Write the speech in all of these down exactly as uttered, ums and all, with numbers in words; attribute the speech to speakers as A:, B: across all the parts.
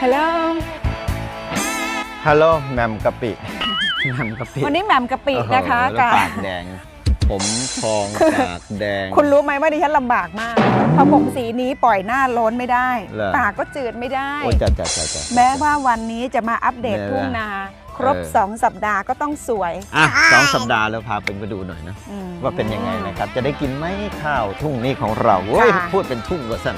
A: ฮัลโหล
B: ฮัลโหลแหม่มกะปิแหม่มกะปิ
A: วันนี้แหม่มกะปินะคะกับ
B: ปากแดงผมพองปากแดง
A: คุณรู้ไหมว่าดิฉันลำบากมากเพราะผมสีนี้ปล่อยหน้าโล้นไม่ได้ปากก็จืดไม่ได้แม้ว่าวันนี้จะมาอัปเดตทุ่งนาครบสองสัปดาห์ก็ต้องสวย
B: อ่ะสองสัปดาห์แล้วพาเป็นไปดูหน่อยนะว่าเป็นยังไงนะครับจะได้กินไหมข้าวทุ่งนี้ของเราเว้ยพูดเป็นทุ่งว่าสั้น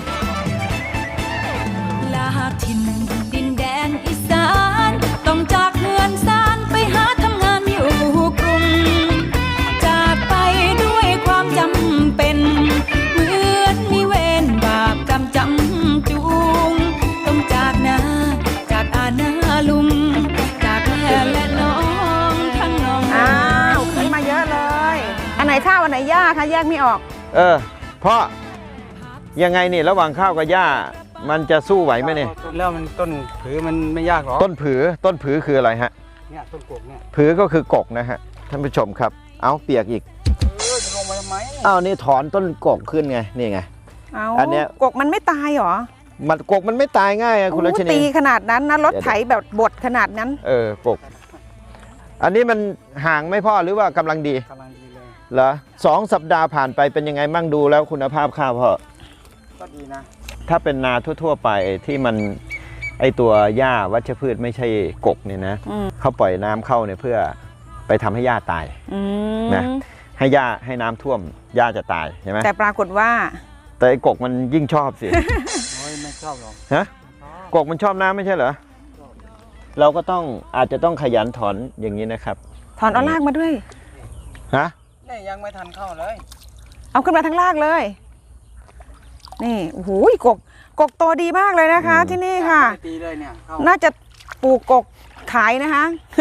C: ลาถิ่นดินแดนอีสานต้องจากเมืองสานไปหาทำงานอยู่กรุงจากไปด้วยความจำเป็นเหมือนมีเวรบาปกรรมจำจูงต้องจากนาจากอาณาลุงจากแม่และน้องทั้งน้อง
A: อ้าวขึ้นมาเยอะเลยอันไหนข้าวอันไหนหญ้าคะแยกไม่ออก
B: เออเพราะยังไงนี่ระหว่างข้าวกับหญ้ามันจะสู้ไหวไหมเนี่ย
D: แล้วมันต้นผือมันไม่ยากหรอ
B: ต้นผือต้นผือคืออะไรฮะ
D: เนี่ยต้นกกเนี่ย
B: ผือก็คือกกนะฮะท่านผู้ชมครับเอาเปียกอีก
D: เออจะลงมาทำไม
B: อ้าวนี่ถอนต้นกกขึ้นไงนี่ไง
A: อันเนี้ยกกมันไม่ตายหรอ
B: มันกกมันไม่ตายง่ายอะคุณรัชนี
A: ตีขนาดนั้นนะรถไถแบบบดขนาดนั้น
B: เออกกอันนี้มันห่างไม่พอหรือว่ากำลังดี
D: กำลังดีเลย
B: เหรอสองสัปดาห์ผ่านไปเป็นยังไงบ้างดูแล้วคุณภาพข้าวพ่อ
D: ก็ดีนะ
B: ถ้าเป็นนาทั่วๆไปที่มันไอตัวหญ้าวัชพืชไม่ใช่กกเนี่ยนะเขาปล่อยน้ำเข้าเนี่ยเพื่อไปทำให้หญ้าตายนะให้หญ้าให้น้ำท่วมหญ้าจะตายใช่ไหม
A: แต่ปรากฏว่า
B: แต่ไอกกมันยิ่งชอบสิ
D: ไม่ชอบหรอก
B: ฮะกกมันชอบน้ำไม่ใช่เหรอเราก็ต้องอาจจะต้องขยันถอนอย่างนี้นะครับ
A: ถอนเอารากมาด้วย
B: ฮะ
D: นี่ยังไม่ทันเข้าเลย
A: เอาขึ้นมาทั้งรากเลยนี่โอ้โหกกกกโตดีมากเลยนะคะที่นี่ค่ะน่าจะปลูกกกขายนะคะ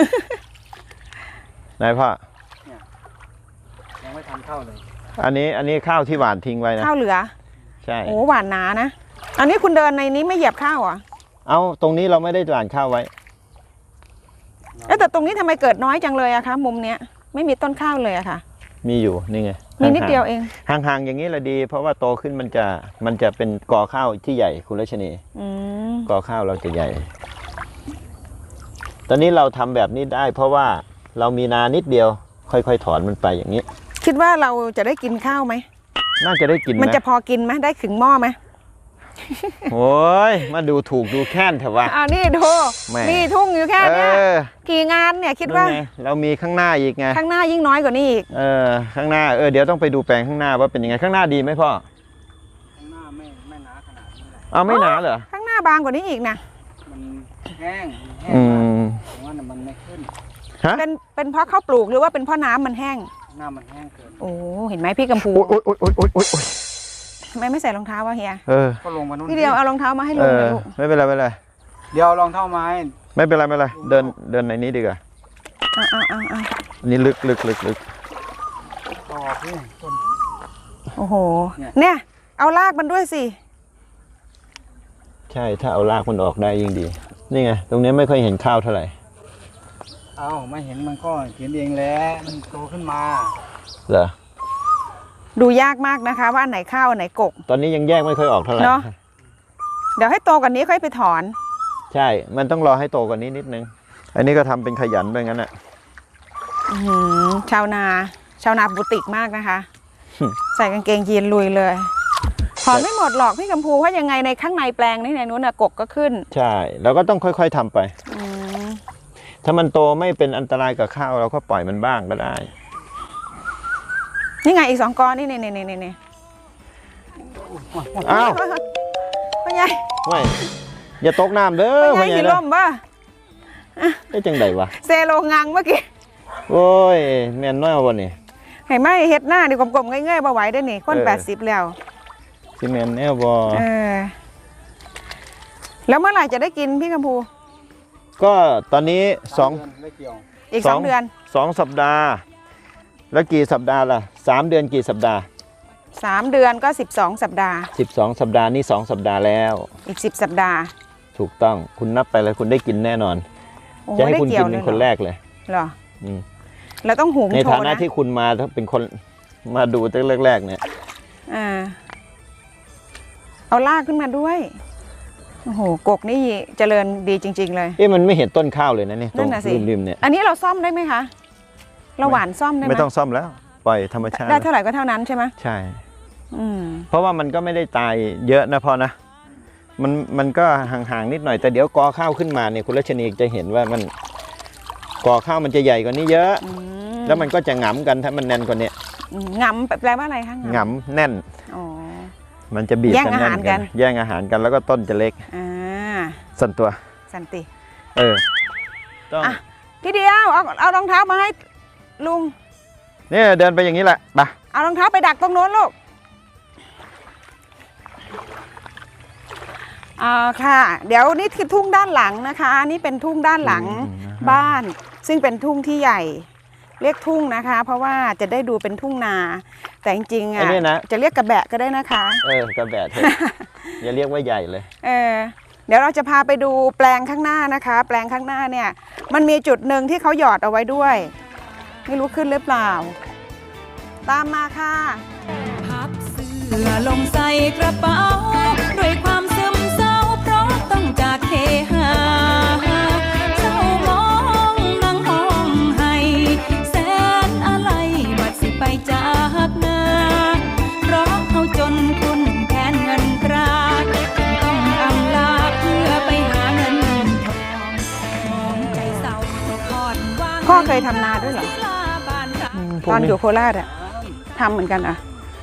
B: นายพ่อ
D: ยังไม่ทันเข้าเลย
B: อันนี้อันนี้ข้าวที่หวานทิ้งไว้นะ
A: ข้าวเหลือ
B: ใช่
A: โอ้หวานหนานะอันนี้คุณเดินในนี้ไม่เหยียบข้าวอ่ะ
B: เอาตรงนี้เราไม่ได้หวานข้าวไว้
A: แต่ตรงนี้ทำไมเกิดน้อยจังเลยอะคะมุมเนี้ยไม่มีต้นข้าวเลยอะค่ะ
B: มีอยู่นี่ไง
A: มีนิดเดียวเอง
B: ห่างๆอย่างนี้แหละดีเพราะว่าโตขึ้นมันจะมันจะเป็นกอข้าวที่ใหญ่คุณรัชนีกอข้าวเราจะใหญ่ตอนนี้เราทำแบบนี้ได้เพราะว่าเรามีนานิดเดียวค่อยๆถอนมันไปอย่างนี้
A: คิดว่าเราจะได้กินข้าวไหม
B: น่าจะได้กิน
A: มันจะพอกินไหมได้ถึงหม้อไหม
B: โอ้ยมาดูถูกดูแค้นเถอะวะ
A: อ่านี่ดูมีทุ่งอยู่แค่นี้กี่งานเนี่ยคิดว่า
B: เรามีข้างหน้าอีกไง
A: ข้างหน้ายิ่งน้อยกว่านี้อีก
B: เออข้างหน้าเออเดี๋ยวต้องไปดูแปลงข้างหน้าว่าเป็นยังไงข้างหน้าดีไหมพ่อ
D: ข้างหน้าไม่ไม่หนาขนาดนี้
B: เอาไม่หนาเหรอ
A: ข้างหน้าบางกว่านี้อีกนะ
D: มันแห้งแห้งผมว่ามันไม่ขึ้น
A: เป็นเป็นเพราะข้าวปลูกหรือว่าเป็นเพราะน้ำมันแห้ง
D: น้ำมันแห้งเกิน
A: โอ้เห็นไหมพี่กัมพู
B: โอ๊ยโอ๊ยโอ๊ยโอ๊ยโอ๊ย
A: ทำไมไม่ใส่รองเท้าวะเฮีย
B: เออ
D: ก็ลงมานู่น
A: พี่เดียวเอารองเท้ามาให้ลุงเลยลูก
B: ไม่เป็นไรไม่เป็นไร
D: เดี๋ยวรองเท้าไม้
B: ไม่เป็นไรไม่เป็นไรเดินเดินในนี้ดีกว่า
A: อ่าอ่าอ่าอ่า
B: นี่ลึกลึกลึกลึก
D: ต่อพี่ต้น
A: โอ้โหเนี่ยเอารากมันด้วยสิ
B: ใช่ถ้าเอารากมันออกได้ยิ่งดีนี่ไงตรงนี้ไม่ค่อยเห็นข้าวเท่าไหร่
D: เอาไม่เห็นมันก็เห็นเองแล้วมันโตขึ้นมา
B: เหรอ
A: ดูยากมากนะคะว่าอันไหนข้าวอันไหนกก
B: ตอนนี้ยังแยกไม่ค่อยออกเท่าไหร่
A: เนาะเดี๋ยวให้โตกว่านี้ค่อยไปถอน
B: ใช่มันต้องรอให้โตกว่านี้นิดนึงอันนี้ก็ทำเป็นขยันไปงั้นอ่ะ
A: ชาวนาชาวนาบุติกมากนะคะใส่กางเกงยีนลุยเลยถอนไม่หมดหรอกพี่กัมพูเพราะยังไงในข้างในแปลงนี่ในนู้นน่ะกกก็ขึ้น
B: ใช่เราก็ต้องค่อยๆทำไปถ้ามันโตไม่เป็นอันตรายกับข้าวเราก็ปล่อยมันบ้างก็ได้
A: นี่ไงอีกสองก้อนนี่นี่นี่นี่นี่
B: อ้าว
A: พ่อใหญ่
B: ไม่อย่าตกน้ำเด้อ
A: พ่อใหญ่หิล่มป่ะ
B: ได้จังไดวะ
A: เซโลงังเมื่อกี้
B: โอ้ยแม่นน้อยวันนี้
A: เห็นไหมเฮ็ดหน้าดิกลมๆง่ายๆบ่ไหวได้นี่คนแปดสิบแล้ว
B: ซีเมนแนวบอ
A: เออแล้วเมื่อไหร่จะได้กินพี่กัมพู
B: ก็ตอนนี้สอง
A: อีกสองเดือน
B: สองสัปดาห์แล้วกี่สัปดาห์ล่ะสามเดือนกี่สัปดาห์
A: สามเดือนก็สิบสองสัปดาห์
B: สิบสองสัปดาห์นี่สองสัปดาห์แล้ว
A: อีกสิบสัปดาห์
B: ถูกต้องคุณนับไปเลยคุณได้กินแน่นอนจะให้คุณกินเป็นคนแรกเลย
A: เหรอเราต้องหุงโชว์นะ
B: ในฐานะที่คุณมาเป็นคนมาดูตั้งแรกๆเนี่ย
A: อ่าเอาลากขึ้นมาด้วยโอ้โหกกนี่เจริญดีจริงๆเลย
B: เอ๊ะมันไม่เห็นต้นข้าวเลยนะเนี่ยตร
A: นั่
B: ง
A: นน่ะสิ
B: ริมๆเนี่ย
A: อันนี้เราซ่อมได้ไหมคะเราหว่านซ่อมได้ไหม
B: ไม่ต้องซ่อมแล้วปล่อยธรรมชาติ
A: ได้เท่าไหร่ก็เท่านั้นใช่ไหม
B: ใช่
A: อืม
B: เพราะว่ามันก็ไม่ได้ตายเยอะนะพ่อนะมันมันก็ห่างๆนิดหน่อยแต่เดี๋ยวกอข้าวขึ้นมาเนี่ยคุณรัชนีจะเห็นว่ามันกอข้าวมันจะใหญ่กว่านี้เยอะ
A: อืม
B: แล้วมันก็จะหงำกันถ้ามันแน่นกว่านี้
A: อืมงำแปลว่าอะไรคะ
B: หงำแน่น
A: อ๋อ
B: มันจะบีบ
A: แย่ง
B: กัน
A: อา
B: แน่
A: หาร
B: น
A: กั
B: กัน นแย่งอาหารกันแล้วก็ต้นจะเล็ก
A: อ่า
B: สั่นตัว
A: สันติ
B: เออต้อง
A: อ่ะ พี่เดียวเอาเอารองเท้ามาให้ลุง
B: เนี่ยเดินไปอย่างนี้แหละไป
A: เอารองเท้าไปดักตรงโน้นลูกอ่าค่ะ เดี๋ยวนี่คือทุ่งด้านหลังนะคะนี่เป็นทุ่งด้านหลังบ้าน ซึ่งเป็นทุ่งที่ใหญ่ เรียกทุ่งนะคะ เพราะว่าจะได้ดูเป็นทุ่งนา แต่จริงๆ
B: ไอ้
A: อ่ะ
B: นี่นะ
A: จะเรียกกระแบะก็ได้นะคะ
B: เออกระแบะเถอะ อย่าเรียกว่าใหญ่เลย
A: เออเดี๋ยวเราจะพาไปดูแปลงข้างหน้านะคะ แปลงข้างหน้าเนี่ยมันมีจุดหนึ่งที่เขาหยอดเอาไว้ด้วย ไม่รู้ขึ้นหรือเปล่า ตามมาค่ะ
C: พับเสื้อลงใส่กระเป๋าด้วยความซึมเศร้าเพราะต้องจากเคหาเศร้ามองนั่งห้องให้แสนอะไรบัดสิไปจากนาเพราะเขาจนคุณแทนเงินตราจึงต้องอำลาเพื่อไปหาเงินทองมองใจเศร้าทอดวาง
A: พ่อเคยทำนาด้วยเหรอ
C: ศิลาบ้านเรา
A: ตอนอยู่โคราชอะทำเหมือนกันอะ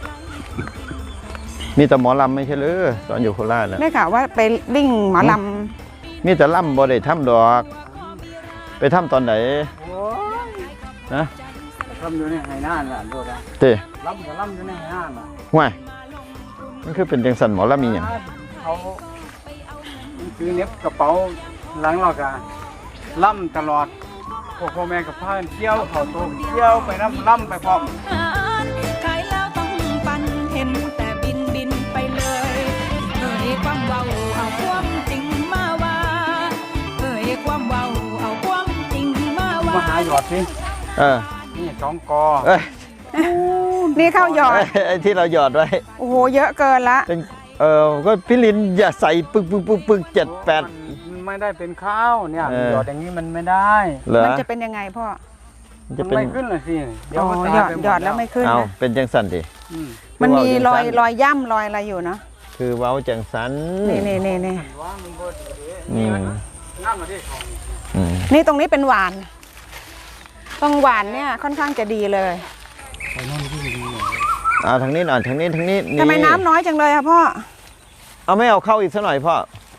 B: มีแต่หมอลำไม่ใช่หรือตอนอยู่โคราชนะ
A: ได้ข่าวว่าไปวิ่งหมอล
B: มีแต่ล่ำบ่ได้ทำดอก ไปทำตอนไหน
D: โอ้ย
B: นะ
D: ล่ำอยู่ในไหหน้าน่ะดูนะ
B: เต้
D: ล่ำกับล่ำอยู่ในไหหน้าน่ะ
B: ห่วยมันคือเป็นจังสันหมอลำมีอย่าง
D: เขาซื้อเน็บกระเป๋าหลังเรากะล่ำตลอดพวกพ่อแม่กับพ่อเที่ยวเขาโตเที่ยวไปน้ำล่ำไปพร้อม
C: ขายแล้วต้องปันเห็นแต่บินบินไปเลยเอ่ยความเว้าเอาความจริงมาว่าเอ่ยความเว้าเอาความจริงมาว่า
D: มาหาหยอดสิ
B: เออ
D: นี่สองกอ
B: เอ้ย
A: ำนี่เข้าหยอด
B: ไอ้ที่เราหยอดไว้
A: โอ้โหเยอะเกินละ
B: เป็นเออก็พี่ลินอย่าใส่ปึกปึกปึกปึกเจ็ดแปด
D: มันไม่ได้เป็นข้าวเนี่ย
B: เออ
D: หยอดอย่างนี้มันไม่ได้
B: เหรอ
A: มันจะเป็นยังไงพ่อ
B: มัน
D: มั
B: จะ
D: น
B: เป็น
D: ไม่ขึ้นเลยสิเดี๋ยว
A: อ๋อ
D: มัน
A: หย
D: ตาย
A: อด
D: ไปม
A: หยอดแล้วไม่ขึ้น
B: เอา
A: นะ
B: เป็นจังสันดิ
D: อืม
A: มันมีรอย
B: คือว่า
A: รอยย่ำรอยอะไรอยู่เนาะ
B: คือเว้าจังสัน
A: นี่นี่นี่นี่
D: ว่ามันบ่ดีเด้
B: อืม
D: น้ำมาที่ของ
B: อืม
A: นี่ตรงนี้เป็นหวานตรงหวานเนี่ยค่อนข้างจะดีเลย
D: ไปโน่นที่ดีเลย
B: เอาทางนี้หน่อยทางนี้ทางนี้
A: ทำไมน้ำน้อยจังเลยอะพ่อ
B: เอาไม่เอาเข้าอีกสักหน่อยพ่อ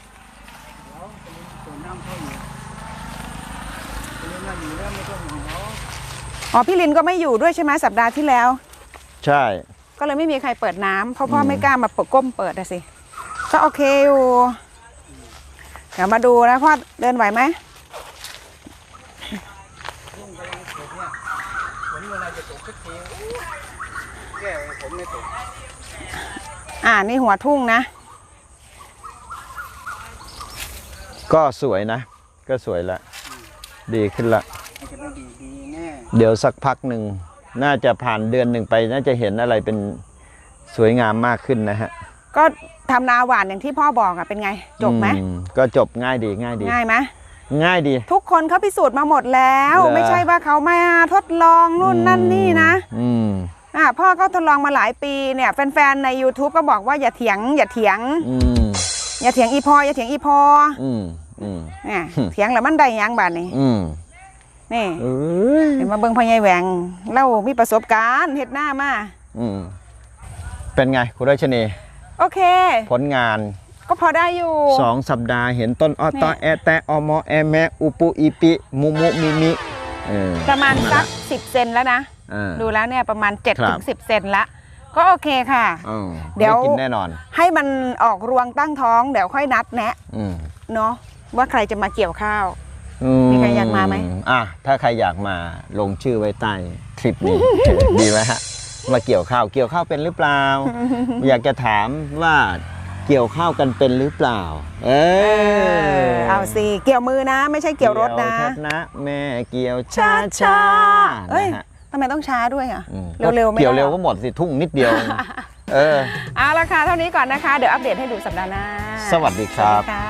D: ตัวน้ำเข้าอยู่ตัวน้ำอยู่แล้วไม่ต้องห่วงเขา
A: อ๋อพี่ลินก็ไม่อยู่ด้วยใช่ไหมสัปดาห์ที่แล้ว
B: ใช่
A: ก็เลยไม่มีใครเปิดน้ำเพราะพ่อ
B: อืม
A: ไม่กล้ามาเปิดก้มเปิดอะสิก็โอเคอยู่เดี๋ยวมาดูนะพ่อเดินไหวไหม
D: ฝนเมื่อไรจะตกสักทีแก้ผมไม่ตก
A: อ่านี่หัวทุ่งนะ
B: ก็สวยนะ ก็สวยละ ดีขึ้นละ
D: มันจะไม่ดีดีแน่
B: เดี๋ยวสักพักหนึ่งน่าจะผ่านเดือนหนึ่งไปน่าจะเห็นอะไรเป็นสวยงามมากขึ้นนะฮะ
A: ก็ทำนาหวานอย่างที่พ่อบอกอะเป็นไงจบไหม
B: อืก็จบง่ายดีง่ายดี
A: ง่ายไหม
B: ง่ายดี
A: ทุกคนเขาพิสูจน์มาหมดแล้ว
B: เหรอ
A: ไม่ใช่ว่าเขามาทดลองนู่นนั่นนี่นะ
B: อืม
A: อ่าพ่อก็ทดลองมาหลายปีเนี่ยแฟนๆใน YouTube ก็บอกว่าอย่าเถียง อย่าเถียง
B: อืม
A: อย่าเถียงอีพออย่าเถียงอีพอ
B: อืมอืม
A: เนี่ย เถียงแล้วมันได้หยังบาดนี้
B: อืม
A: นี่
B: เอ้ย
A: เห็นมาเบิ่งพ่อใหญ่แหวงเล่ามีประสบการณ์เฮ็ดหน้ามา
B: อืมเป็นไงคุณราชนี
A: โอเค
B: ผลงาน
A: ก็พอได้อยู่
B: สองสัปดาห์เห็นต้นอ้อตอ
A: นี่
B: แอแตะอมอแอแมอุปุอีปิมุมุมิมิเออ
A: ประมาณสักสิบเซนแล้วนะ
B: อ่า
A: ดูแล้วเนี่ยประมาณเจ็ด
B: ครั
A: ถึ
B: บ
A: งสิบเซนละก็โอเคค่ะ
B: อืม
A: เดี๋ยว
B: ไกินแน่นอน
A: ให้มันออกรวงตั้งท้องเดี๋ยวค่อยนัดแนะ
B: อืม
A: เนาะว่าใครจะมาเกี่ยวข้าว
B: อื
A: มีใครอยากมาไหม
B: อ่ะถ้าใครอยากมาลงชื่อไว้ใต้คลิปนี้ ดีไหมฮะมาเกี่ยวข้าวเกี่ยวข้าวเป็นหรือเปล่า อยากจะถามว่าเกี่ยวข้าวกันเป็นหรือเปล่า เอ
A: เอ
B: อ
A: อเอาสิเกี่ยวมือนะ ไม่ใช่เกี่ยวรถนะ
B: เกี่ยวชัดนะแม่เกี่ยวช้าช้าๆ
A: เอ้ย
B: นะฮะ
A: ทำไมต้องช้าด้วยอ่ะ
B: อืม
A: เร็วๆไม่ได้
B: เกี่ยวเร็ว
A: หรอ
B: ก็หมดสิทุ่งนิดเดียว เออ
A: เอาละค่ะเท่านี้ก่อนนะคะ เดี๋ยวอัปเดตให้ดูสัปดาห์หน้า
B: สวัสดีครับ
A: สวัสดีค่ะ